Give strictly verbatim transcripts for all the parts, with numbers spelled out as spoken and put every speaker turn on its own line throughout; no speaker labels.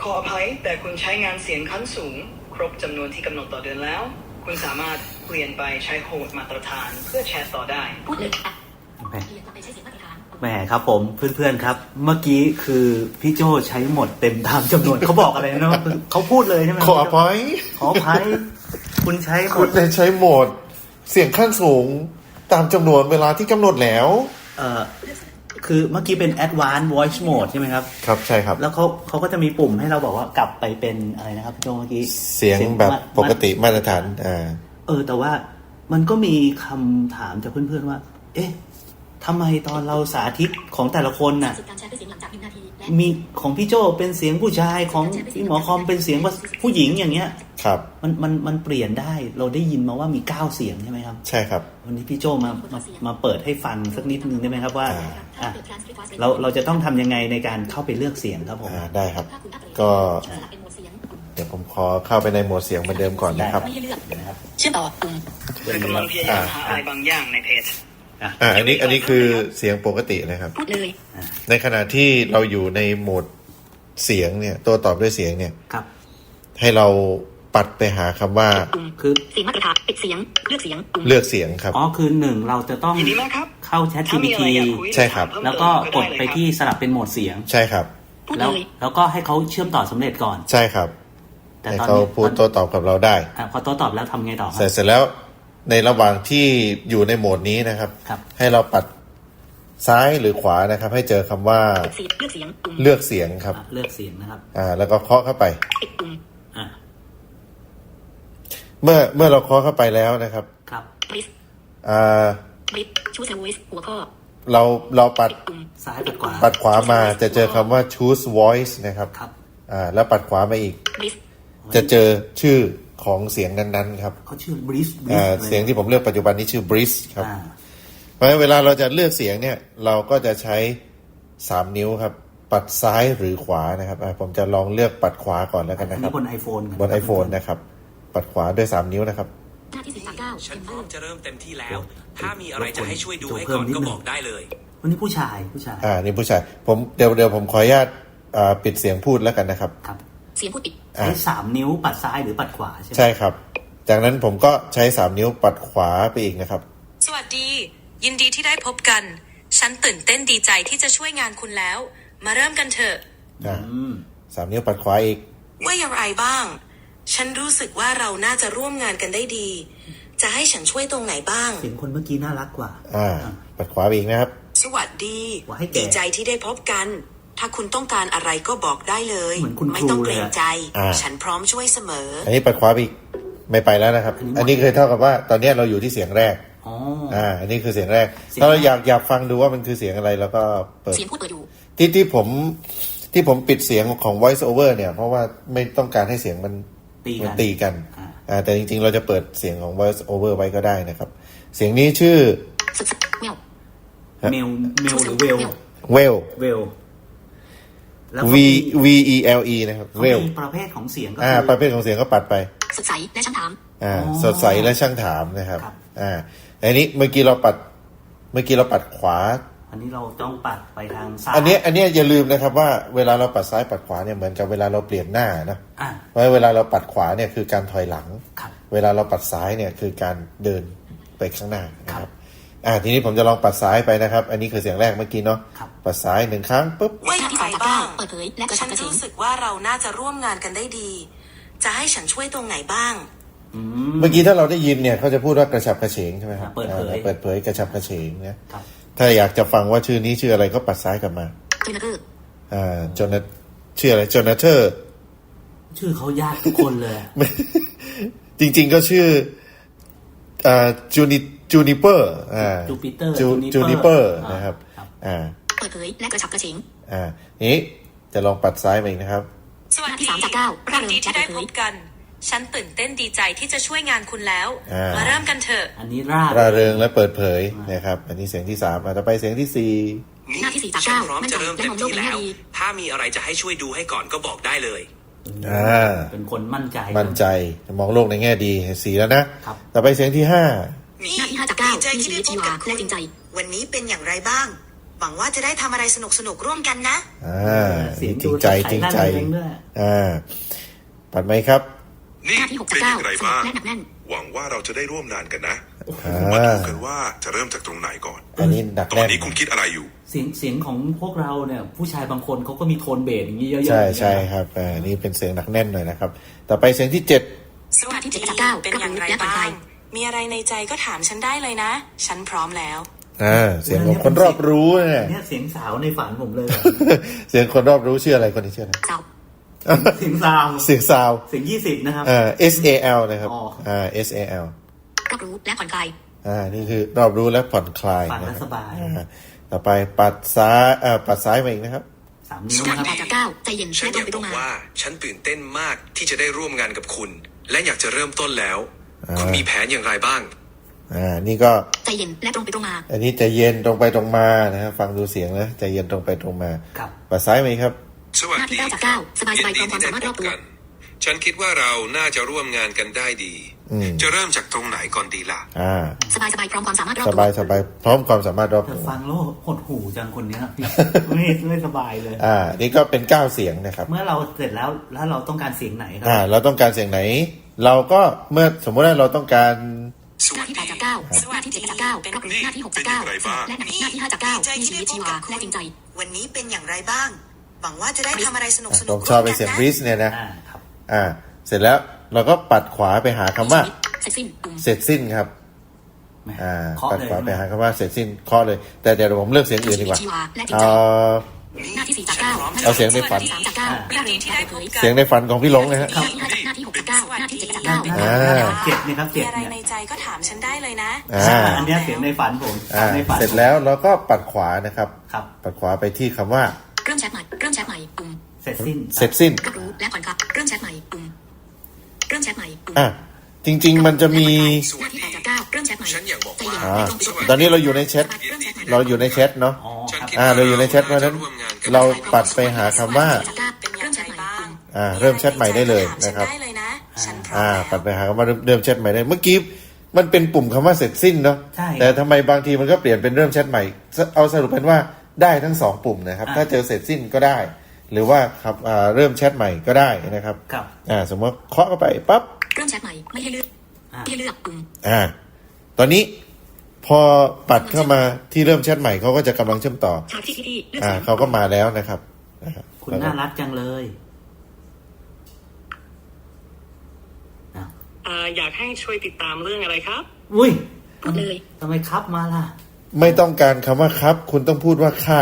ออภัยแต่คุณใช้งานเสียงขั้นสูงครบจำนวนที่กำหนดต่อเดือนแล้วคุณสามารถเปลี่ยนไปใช้โหมดมาตรฐานเพื่อแชทต่อได้
พูดเลยอ่ะ
แหมแหมครับผมเพื่อนๆครับเมื่อกี้คือพี่โจใช้หมดเต็มตามจำนวนเขาบอกอะไรนะเขาพูดเลยใช่ไหม
ขออภัย
ขออภัยคุณใช้
คุณได้ใช้โหมดเสียงขั้นสูงตามจำนวนเวลาที่กำหนดแล้ว
เอ่อคือเมื่อกี้เป็น advanced voice mode ใช่ไหมครับ
ครับใช่ครับ
แล้วเขาเขาก็จะมีปุ่มให้เราบอกว่ากลับไปเป็นอะไรนะครับโจเมื่อกี้
เสียงแบบปกติมาตรฐานอ่า
เออแต่ว่ามันก็มีคำถามจากเพื่อนๆว่าเอ๊ะทำไมตอนเราสาธิตของแต่ละคนน่ะมีของพี่โจเป็นเสียงผู้ชายของพี่หมอคอมเป็นเสียงผู้หญิงอย่างเงี้ย
ครับ
มันมันมันเปลี่ยนได้เราได้ยินมาว่ามีเก้าเสียงใช่ไหมครับ
ใช่ครับ
วันนี้พี่โจมามามาเปิดให้ฟังสักนิดนึงได้ไหมครับว่าอ่ะเราเราจะต้องทำยังไงในการเข้าไปเลือกเสียงครับผม
ได้ครับก็เดี๋ยวผมขอเข้าไปในโหมดเสียงเหมือนเดิมก่อนนะครับ
เชื่อมต่อปุ่ม
กำลังพยายามหาอะไรบางอย่างในเพจ
อ่าอันนี้อันนี้คือเสียงปกตินะครับ
พูดเลย
ในขณะที่เราอยู่ในโหมดเสียงเนี่ยตัวตอบด้วยเสียงเนี่ย
ครับ
ให้เราปัดไปหาคำว่า
คือ
เสียงมาตรฐานปิดเสียงเลือกเสียง
เลือกเสียงครับ
อ๋อคือหนึ่งเราจะต้องเข้า Chat จี พี ที
ใช่ครับ
แล้วก็กดไปที่สลับเป็นโหมดเสียง
ใช่ครับ
แล้วแล้วก็ให้เขาเชื่อมต่อสำเร็จก่อน
ใช่ครับแต่ตอนนี้เขาพูดโต้ตอบกับเราได้
อ่าพอโต้ตอบแล้วทำไงต่อ
เสร็จเสร็จแล้วในระหว่างที่อยู่ในโหมดนี้นะครับให้เราปัดซ้ายหรือขวานะครับให้เจอคำว่า
เลือกเสียง
เลือกเสียงครับ
เลือกเสียงนะครับ
อ่าแล้วก็เคาะเข้าไป
อ่า
เมื่อเมื่อเราเคาะเข้าไปแล้วนะครับ
ครับ
อ่า
ชูส voice หัวข้อ
เราเราปัด
ซ้ายปัดขวา
ปัดขวามาจะเจอคำว่า choose voice นะครับ
ครับ
อ่าแล้วปัดขวามาอีกจะเจอชื่อของเสียงนั้นๆครับ
เขาชื่อ breeze
อ่าเสียงที่ผมเลือกปัจจุบันนี้ชื่อ breeze ครับเพราะฉะนั้นเวลาเราจะเลือกเสียงเนี่ยเราก็จะใช้สามนิ้วครับปัดซ้ายหรือขวานะครับผมจะลองเลือกปัดขวาก่อนแล้วกันนะครับ
บน iPhone
บน iPhone นะครับปัดขวาด้วยสามนิ้วนะครับ
ฉันพร้อมจะเริ่มเต็มที่แล้วถ้ามีอะไรจะให้ช่วยดูให้ก่อนก็บอกได้เลย
วันนี้ผู้ชายผู้ชาย
อ่านี่ผู้ชายผมเดี๋ยวเดี๋ยวผมขออนุญาตอ่าปิดเสียงพูดแล้วกันนะครับ
ครับ
เสียงพูดปิด
ใช้สามนิ้วปัดซ้ายหรือปัดขวาใช่ไหม
ใช่ครับจากนั้นผมก็ใช้สามนิ้วปัดขวาไปอีกนะครับ
สวัสดียินดีที่ได้พบกันฉันตื่นเต้นดีใจที่จะช่วยงานคุณแล้วมาเริ่มกันเถอะ
สามนิ้วปัดขวาอีก
ว่าอย่างไรบ้างฉันรู้สึกว่าเราน่าจะร่วมงานกันได้ดีจะให้ฉันช่วยตรงไหนบ้าง
เสียงคนเมื่อกี้น่ารักกว่า
อ่าปัดขวาอีกนะครับ
สวัสดีดีใจที่ได้พบกันถ้าคุณต้องการอะไรก็บอกได้เลยไม่ต้องเกรงใจฉันพร้อมช่วยเสมอ
อันนี้ปัดขวาอีกไม่ไปแล้วนะครับอันนี้เคยเท่ากับว่าตอนนี้เราอยู่ที่เสียงแรก
อ๋อ
อ่าอันนี้คือเสียงแรกถ้าเราอยากอยากฟังดูว่ามันคือเสียงอะไรแล้วก็เปิด
เสียงพูดเปิดอยู่
ที่ที่ผมที่ผมปิดเสียงของ voice over เนี่ยเพราะว่าไม่ต้องการให้เสียงมันมันตีกันอ่าแต่จริงๆเราจะเปิดเสียงของ voice over ไว้ก็ได้นะครับเสียงนี้ชื่อ
เมลเมลหรือเวล
เวล
เวล
V V E L E นะครับเวล
ประเภทของเสียงก็
อ่าประเภทของเสียงก็ปัดไป
สดใสและช่างถาม
อ่าสดใสและช่างถามนะครับอ่าอันนี้เมื่อกี้เราปัดเมื่อกี้เราปัดขวา
อันนี้เราต้องปัดไปทางซ้าย
อันนี้อันนี้อย่าลืมนะครับว่าเวลาเราปัดซ้ายปัดขวาเนี่ยเหมือนกับเวลาเราเปลี่ยนหน้านะเพราะเวลาเราปัดขวาเนี่ยคือการถอยหลังเวลาเราปัดซ้ายเนี่ยคือการเดินไปข้างหน้านะครับอ่าทีนี้ผมจะลองปัดซ้ายไปนะครับอันนี้คือเสียงแรกเมื่อกี้เนาะปัดซ้ายหนึ่งครั้งปุ๊บ
ว่าอย่างไรบ้างเปิดเผยและฉันรู้สึกว่าเราน่าจะร่วมงานกันได้ดีจะให้ฉันช่วยตรงไหนบ้าง
เมื่อกี้ถ้าเราได้ยินเนี่ยเขาจะพูดว่ากระฉับกระเฉงใช่ไหมครับ
เปิดเผย
เปิดเผยกระฉับกระเฉงนะถ้าอยากจะฟังว่าชื่อนี้ชื่ออะไรก็ปัดซ้ายกลับมา
จูนาเธอร์
อ่าจนชื่ออะไรจนาเธอร์
ชื่อเขายากทุกคนเลย
จริงๆก็ชื่ออ่าจูนิจูนิเปอร์อ่า
จูปิเตอร์
จูนิเปอร์นะครับอ่า
เปิดเผยและกระฉับกระเฉง
อ่านี้จะลองปัดซ้ายมาอีกนะครับ
สวัสดียินดีที่ได้พบกันฉันตื่นเต้นดีใจที่จะช่วยงานคุณแล้วมาเริ่มกันเถอะ
อันนี้ร่า
ร่าเริงและเปิดเผยนะครับอันนี้เสียงที่สามต่อไปเสียงที่สี่
หน้าที่สี่จากเก้า
พร้อมจะเริ่มเต็มที่แล้วถ้ามีอะไรจะให้ช่วยดูให้ก่อนก็บอกได้เลย
อ่า
เป็นคนมั่นใจ
มั่นใจมองโลกในแง่ดีสีแล้วนะต่อไปเสียงที่ห้า
หน้าที่ห้าจากเก้ามีชีวิตชีวาและจริงใจ
วันนี้เป็นอย่างไรบ้างหวังว่าจะได้ทำอะไรสนุกสนุกร่วมกันนะ
อ่าจริงใจจริงใจอ่าปัดไหมครับ
นี่เป็นอย่างไรบ้างหวังว่าเราจะได้ร่วมงานกันนะมาดูกันว่าจะเริ่มจากตรงไหนก่อน
อันนี้หนัก
ตอ
แน่
น
น
นี้คุณคิดอะไรอยู่
เสียงเสียงของพวกเราเนี่ยผู้ชายบางคนเขาก็มีโทนเบสอย่างนี้เยอะๆ
ใช่ใช่ครับอ่านี่เป็นเสียงหนักแน่นหน่อยนะครับต่อไปเสียงที่เจ็ด
สวัสดีเป็นอย่างไรบ้างมีอะไรในใจก็ถามฉันได้เลยนะฉันพร้อมแล้ว
อ่าเสียงของคนรอบรู้เนี่ย
เนี่ยเสียงสาวในฝันผมเลย
เสียงคนรอบรู้ชื่ออะไรคนนี้ชื่ออะไร
เสียงซาว
เสียงซาว
เสียงยี่สิบนะครับ
อ่า S A L นะครับอ่า S A L
รอบรู้และผ่อนคลาย
อ่านี่คือรอบรู้และผ่อนคลาย
ฟังแล้วสบาย
ต่อไปปัดซ้ายเอ่อปัดซ้ายมาอีกนะครับ
สามนิ้วนะครับ
จากเก้าใจเย็น
ฉันอยากบอกว่าฉันตื่นเต้นมากที่จะได้ร่วมงานกับคุณและอยากจะเริ่มต้นแล้วคุณมีแผนอย่างไรบ้าง
อ่านี่ก็
ใจเย็นและตรงไปตรงมา
อันนี้ใจเย็นตรงไปตรงมานะครับฟังดูเสียงนะใจเย็นตรงไปตรงมา
ครับ
ปัดซ้ายมาครับ
สวัสดี
จากเก้าสบายสบายพร้อมความสามารถรอบตัว
ฉันคิดว่าเราน่าจะร่วมงานกันได้ดีจะเริ่มจากตรงไหนก่อนดีล่ะ
อ่า
สบายสบายพร้อมความสามารถรอบตัว
สบายสบายพร้อมความสามารถรอบตัว
ฟังแล้วหดหูจังคนนี้ไม่ไม่สบายเลย
อ่านี่ก็เป็นเก้าเสียงนะครับ
เมื่อเราเสร็จแล้วแล้วเราต้องการเสียงไหนครั
อ่าเราต้องการเสียงไหนเราก็เมื่อสมมติว่าเราต้องการ
หน้าที่แปดจากเก้าหน้าที่เจ็ดจากเก้ารับรู้หน้าที่หกจากเก้าและหน้าที่ห้าจากเก้ามีชีวิตชีวาและจริงใจ
วันนี้เป็นอย่างไรบ้างหวังว่าจะได้ทำอะไรสนุกสนุก
ผมชอบไปเสียงริสเนี่ยนะอ่าเสร็จแล้วเราก็ปัดขวาไปหาคำว่า
เสร็จสิ้น
เสร็จสิ้นครับอ่าปัดขวาไปหาคำว่าเสร็จสิ้นเคาะเลยแต่เดี๋ยวผมเลือกเสียงอื่นดีกว่าเอา
หน้าที่สี่จากเก้า
เอาเสียงในฝันเสียงในฝันของพี่หลงนะฮะ
หน้าที่หกจากเก้าหน้าที่เจ็ดจากเก้า
อ่าเจ็ดนะครับเจ็ด
อะไรในใจก็ถามฉันได้เลยนะ
อ่าอันนี้เสียงในฝันผม
ในฝันเสร็จแล้วเราก็ปัดขวานะครับปัดขวาไปที่คำว่า
เริ่มแชทใหม่เริ่มแชทใหม่ปุ่ม
เสร็จสิ้น
เสร็จสิ้น
รับรู้และผ่อนคลายเริ่มแชทใหม่ปุ่มเริ่มแชทใหม่ปุ่ม
อ่ะจริงๆมันจะมี
หน้าที่แปดจากเก้าเริ่มแชทใหม่
ฉันอยากบอกว่า
ตอนนี้เราอยู่ในแชทเราอยู่ในแชทเนาะอ่าเราอยู่ในแชทเพราะนั้นเราปัดไปหาคำว่าอ่าเริ่มแชทใหม่ได้เลยนะครับอ่าปัดไปหาคำว่าเริ่มแชทใหม่ได้เมื่อกี้มันเป็นปุ่มคำว่าเสร็จสิ้นเนาะแต่ทำไมบางทีมันก็เปลี่ยนเป็นเริ่มแชทใหม่เอาสรุปเป็นว่าได้ทั้งสองปุ่มนะครับถ้าเจอเสร็จสิ้นก็ได้หรือว่าครับอ่าเริ่มแชทใหม่ก็ได้นะครับอ่าสมมติเคาะเข้าไปปั๊บ
เริ่มแชทใหม่ไม่ให้เลือกไม่ให้เลือกปุ่ม
อ่าตอนนี้พอปัดเข้ามาที่เริ่มแชทใหม่เขาก็จะกำลังเชื่อมต่ออ่าเขาก็มาแล้วนะครับ
คุณน่ารักจังเลย
อ่าอยากให้ช่วยติดตามเรื่องอะไรครับ
อุ้ย
พูดเลย
ทำไมครับมาล่ะ
ไม่ต้องการคำว่าครับคุณต้องพูดว่าค่ะ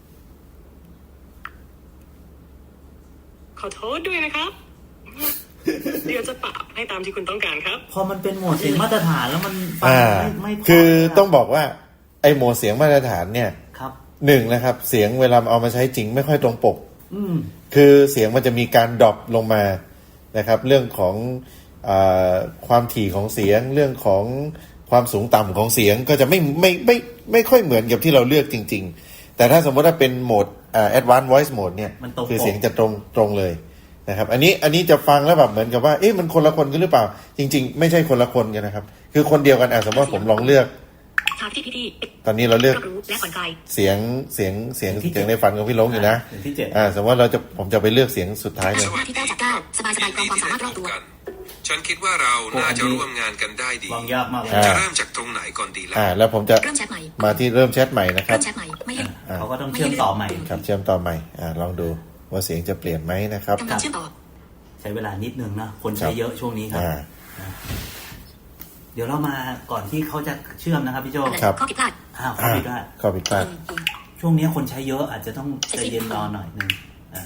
ขอโทษด้วยนะครับเดี๋ยวจะปรับให้ตามที่คุณต้องการครับ
พอมันเป็นโหมดเสียงมาตรฐานแล้วมันฟังไม่ไม่
คือต้องบอกว่าไอ้โหมดเสียงมาตรฐานเนี่ย
ครับ
หนึ่งนะครับเสียงเวลาเอามาใช้จริงไม่ค่อยตรงปก
อืม
คือเสียงมันจะมีการดรอปลงมานะครับเรื่องของอ่าความถี่ของเสียงเรื่องของความสูงต่ำของเสียงก็จะไม่ไม่ไม่ไม่ค่อยเหมือนกับที่เราเลือกจริงๆแต่ถ้าสมมติว่าเป็นโหมดอ่า advanced voice mode เนี่ยคือเสียงจะตรงตรงเลยนะครับอันนี้อันนี้จะฟังแล้วแบบเหมือนกับว่าเอ๊ะมันคนละคนกันหรือเปล่าจริงๆไม่ใช่คนละคนกันนะครับคือคนเดียวกันอ่ะสมมติว่าผมลองเลือกตอนนี้เราเลือกเสียงเสียงเสียงเสียงในฝันของพี่หลงอยู่นะอ่าสมมติว่าเราจะผมจะไปเลือกเสียงสุดท้ายเลย
ที่เก้าจากเก้าสบายสบายความสามารถรอบตัว
ฉันคิดว่าเราน่าจะร่วมงานกันได้ดีจะเริ่มจากตรงไหนก่อนดีล่ะ
อ่าแล้วผมจะมาที่เริ่มแชทใหม่นะครับ
เขาก็ต้องเชื่อมต่อใหม่
ครับเชื่อมต่อใหม่อ่าลองดูว่าเสียงจะเปลี่ยนไหมนะครับ
ใช้เวลานิดนึงนะคนใช้เยอะช่วงนี้ครับเดี๋ยวเรามาก่อนที่เขาจะเชื่อมนะครับพี่โจ
ครับ
ข้อผิดพลาด
อ้าวข้อผิดพลาด
ข้อผิดพลาด
ช่วงนี้คนใช้เยอะอาจจะต้องใจเย็นรอหน่อยนึงอ่า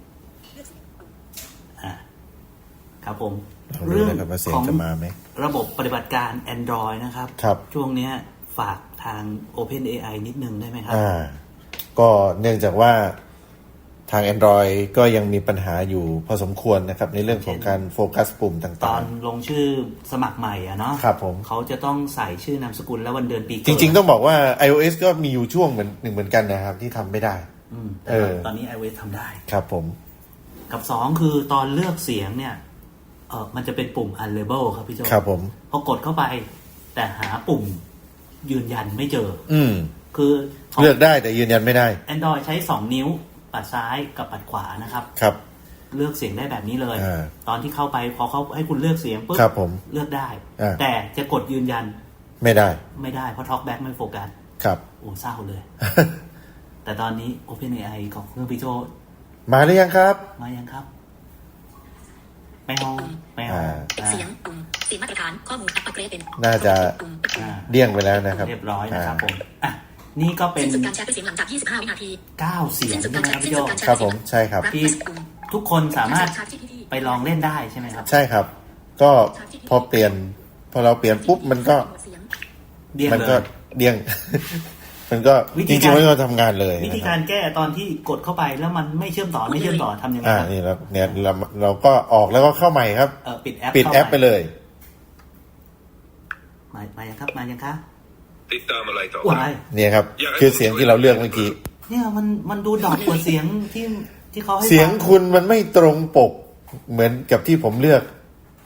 อ่าครับผม
เรื่องของ
ระบบปฏิบัติการ Android นะครับ
ครับ
ช่วงนี้ฝากทาง OpenAI นิดนึงได้ไหมครับ
อ่าก็เนื่องจากว่าทาง Android ก็ยังมีปัญหาอยู่พอสมควรนะครับในเรื่องของการโฟกัสปุ่มต่างๆ
ตอนลงชื่อสมัครใหม่อ่ะเนาะ
ครับผม
เขาจะต้องใส่ชื่อนามสกุลและวันเดือนปี
จริงๆต้องบอกว่า iOS ก็มีอยู่ช่วงเหมือนหนึ่งเหมือนกันนะครับที่ทำไม่ได้
อืมแต่ตอนนี้ iOS ทำได้
ครับผม
กับสองคือตอนเลือกเสียงเนี่ยเออมันจะเป็นปุ่ม unlabel ครับพี่โจ
ครับผม
พอกดเข้าไปแต่หาปุ่มยืนยันไม่เจอ
อืม
คือ
เลือกได้แต่ยืนยันไม่ได้
Android ใช้สองนิ้วปัดซ้ายกับปัดขวานะครับ
ครับ
เลือกเสียงได้แบบนี้เลย
อ
ตอนที่เข้าไปพอเขาให้คุณเลือกเสียงปุ๊บเลือกได้แต่จะกดยืนยัน
ไม่ได้
ไม่ได้เพราะ TalkBack ไม่โฟกัส
ครับ
โอ้เศร้าเลย แต่ตอนนี้ OpenAI ของเครื่องพี่โจ
มาหรือยังครับ
มายังครับไม่ห้องไม่ห้อง
เสียงปุ่มเสียงมาตรฐานข้อมูลอัปเกรดเป็น
น่าจะเดี่ยงไปแล้วนะครับ
เรียบร้อยนะครับผมอ่ะนี่ก็เป็น
สิ้นสุดการแชร์ด้วยเสียงหลังจากยี่สิบห้าวินาที
เก้าเสียงใช่ไหมครับพี่โจ
ครับผมใช่ครับ
ที่ทุกคนสามารถไปลองเล่นได้ใช่ไหมครับ
ใช่ครับก็พอเปลี่ยนพอเราเปลี่ยนปุ๊บมันก็มันก็เดี่ยงมันก็จริงๆมันก็ทำงานเลย
วิธีการแก้ตอนที่กดเข้าไปแล้วมันไม่เชื่อมต่อไม่เชื่อมต่อทำยังไงครับ
อ่านี่เราเนี่ยเราเราก็ออกแล้วก็เข้าใหม่ครับ
เออปิดแอป
ปิดแอปไปเลย
มามายังครับมายังครับ
ติดตามอะไรต่อ
เนี่ยครับคือเสียงที่เราเลือกเมื่อกี้
เนี่ยมันมันดูดอกกว่าเสียงที่ที่เขาให้
เสียงคุณมันไม่ตรงปกเหมือนกับที่ผมเลือก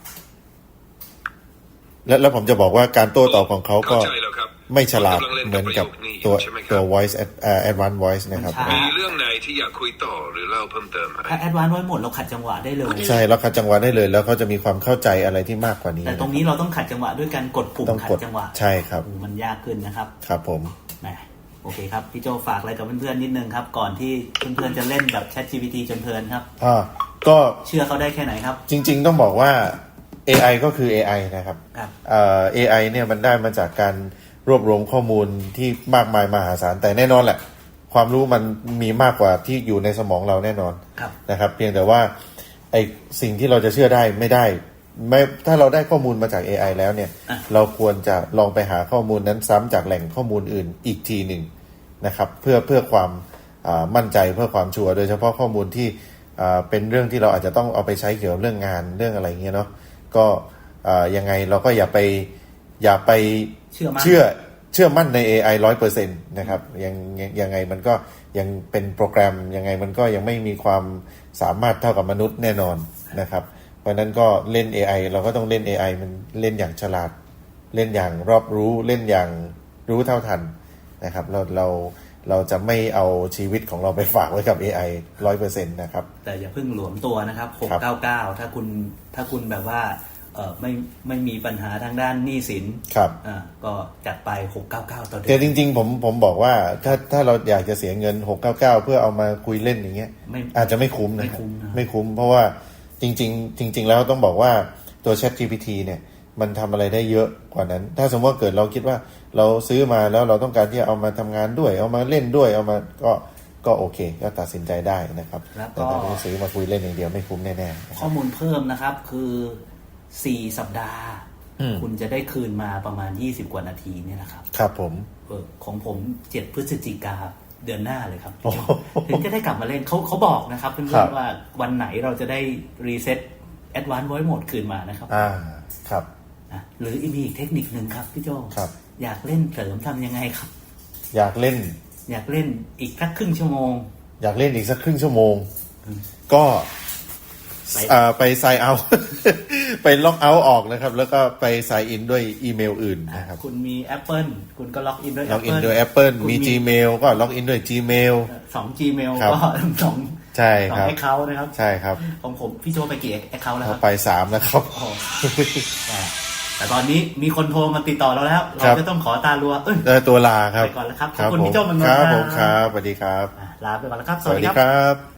แล้วแล้วผมจะบอกว่าการโต้ตอบของเขาก็ไม่ฉลาดเหมือนกับตัวตัว voice advanced voice นะครับ
มีเรื่องไหนที่อยากคุยต่อหรือเล่าเพิ่มเติมไหม
ถ้า advanced voice หมดเราขัดจังหวะได้เลย
ใช่เราขัดจังหวะได้เลยแล้วเขาจะมีความเข้าใจอะไรที่มากกว่านี้
แต่ตรงนี้เราต้องขัดจังหวะด้วยการกดปุ่มขัดจังหวะ
ใช่ครับ
มันยากขึ้นนะครับ
ครับผม
โอเคครับพี่โจฝากอะไรกับเพื่อนๆนิดนึงครับก่อนที่เพื่อนๆจะเล่นแบบ ChatGPT จนเพลินครับ
อ่าก็
เชื่อเขาได้แค่ไหนครับ
จริงๆต้องบอกว่า เอ ไอ ก็คือ เอ ไอ นะครับเอ่อ เอ ไอ เนี่ยมันได้มาจากการรวบรวมข้อมูลที่มากมายมหาศาลแต่แน่นอนแหละความรู้มันมีมากกว่าที่อยู่ในสมองเราแน่นอนนะครับเพียงแต่ว่าไอสิ่งที่เราจะเชื่อได้ไม่ได้ไม่ถ้าเราได้ข้อมูลมาจาก เอ ไอ แล้วเนี่ยเราควรจะลองไปหาข้อมูลนั้นซ้ำจากแหล่งข้อมูลอื่นอีกทีหนึ่งนะครับเพื่อเพื่อความมั่นใจเพื่อความชัวร์โดยเฉพาะข้อมูลที่เป็นเรื่องที่เราอาจจะต้องเอาไปใช้เกี่ยวกับเรื่องงานเรื่องอะไรเงี้ยเนาะก็ยังไงเราก็อย่าไปอย่าไปเชื่อเชื่อเชื่อมั่นใน เอ ไอ ร้อยเปอร์เซ็นต์นะครับยังยังไงมันก็ยังเป็นโปรแกรมยังไงมันก็ยังไม่มีความสามารถเท่ากับมนุษย์แน่นอนนะครับเพราะนั้นก็เล่น เอ ไอ เราก็ต้องเล่น เอ ไอ มันเล่นอย่างฉลาดเล่นอย่างรอบรู้เล่นอย่างรู้เท่าทันนะครับเราเราเราจะไม่เอาชีวิตของเราไปฝากไว้กับ เอ ไอ ร้อยเปอร์เซ็นต์ นะครับ
แต่อย่าเพิ่งหลวมตัวนะครับหกเก้าเก้าถ้าคุณถ้าคุณแบบว่าเออไม่ไม่มีปัญหาทางด้านหนี้สิน
ครับ
อ่าก็จัดไปหกเก้าเก้าต่อเดือน
แต่จริงๆผมผมบอกว่าถ้าถ้าเราอยากจะเสียเงินหกเก้าเก้าเพื่อเอามาคุยเล่นอย่างเงี้ยอาจจะไม่คุ้มนะไม่คุ้มไม่คุ้มเพราะว่าจริงๆจริงๆแล้วต้องบอกว่าตัว ChatGPT เนี่ยมันทำอะไรได้เยอะกว่านั้นถ้าสมมติว่าเกิดเราคิดว่าเราซื้อมาแล้วเราต้องการที่จะเอามาทำงานด้วยเอามาเล่นด้วยเอามาก็ก็โอเคก็ตัดสินใจได้นะครับแต่ถ้าเราซื้อมาคุยเล่นอย่างเดียวไม่คุ้มแน่
ๆข้อมูลเพิ่มนะครับคือสี่สัปดาห์คุณจะได้คืนมาประมาณยี่สิบกว่านาทีเนี่ยนะครับ
ครับผม
เออของผมเจ็ดพฤศจิกาเดือนหน้าเลยครับถึงจะได้กลับมาเล่นเขาเขาบอกนะครับเพื่อนๆว่าวันไหนเราจะได้รีเซ็ตAdvanced Voice Mode คืนมานะครับ
อ่าครับ
นะหรือมีอีกเทคนิคนึงครับพี่โจ
ครับ
อยากเล่นเสริมทำยังไงครับ
อยากเล่น
อยากเล่นอีกสักครึ่งชั่วโมง
อยากเล่นอีกสักครึ่งชั่วโมงก็ไปไซน์เอาไปล็อกเอาท์ออกนะครับแล้วก็ไปไซน์อินด้วยอีเมลอื่นนะครับ
คุณมี Apple คุณก็ล็อกอินด้วย
ล็อกอินด้วย Apple มี Gmail ก็ล็อกอินด้วย Gmail
สอง Gmail ก็สอง
ใช่ครับ
สอง account นะครับ
ใช่ครับ
ของผมพี่โจไปกี่ account แล้วครับ
ไปสามแล้วครับ
แต่ตอนนี้มีคนโทรมาติดต่อเราแล้วเราจะต้องขอตาลัวเอ้
ยตัวลาครับ
ไปก่อนแล้วครับขอบคุณพี่โจมัน
ครับผมครับสวัสดีครับ
ลาไปก่อนแล้วครับ
สวัสดีครับ